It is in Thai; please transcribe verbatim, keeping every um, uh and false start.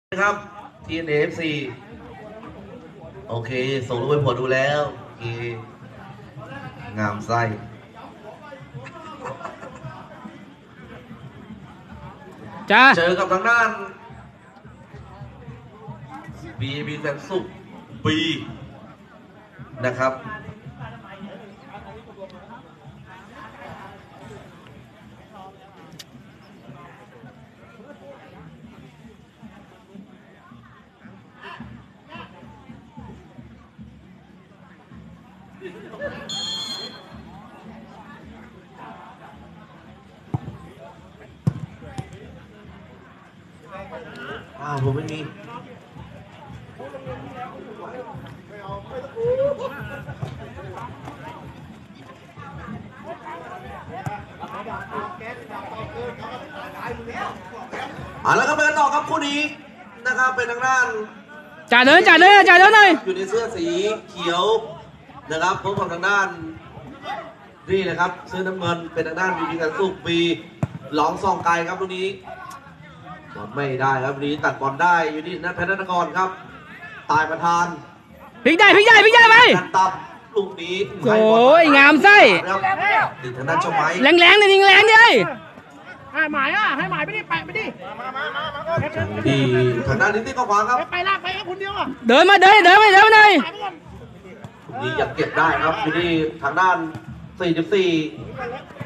ครับ ที เอ็น เอ เอฟ ซี โอเคส่งรูปไปผลดูแล้วโอเคงามไส้จ้าเจอกับทางด้านบีบีแสนสุขบีนะครับอ้าวผมไม่มีอ่าแล้วก็ไปกันต่อครับคู่นี้นะครับเป็นทางด้านจ่าเดินจ่าเดินจ่าเดินหน่อยอยู่ในเสื้อสีเขียวนะครับพบกับทางด้านนี่นะครับเสื้อน้ำเงินเป็นทางด้านบีบีแสนสุขบีหลองซองไกลครับลูกนี้บอลไม่ได้ครับลูกนี้ตัดบอลได้อยู่ที่นัทแพทย์นครครับตายประธานพลิกได้พลิกได้พลิกได้ไปกันตับลูกนี้โอ้ยงามไส้ติดทางด้านเจ้าไม้แรงแรงเลยยิงแรงดิให้หมายอ่ะให้หมายไปดิไปไปดิมามามามาที่ทางด้านนี้ที่ก็ขวางครับไปลากไปครับคนเดียวอ่ะเดินมาเดินเดินไปเดินไปหน่อยนี่ยังเก็บได้ครับอยู่ที่ทางด้านสี่สิบสี่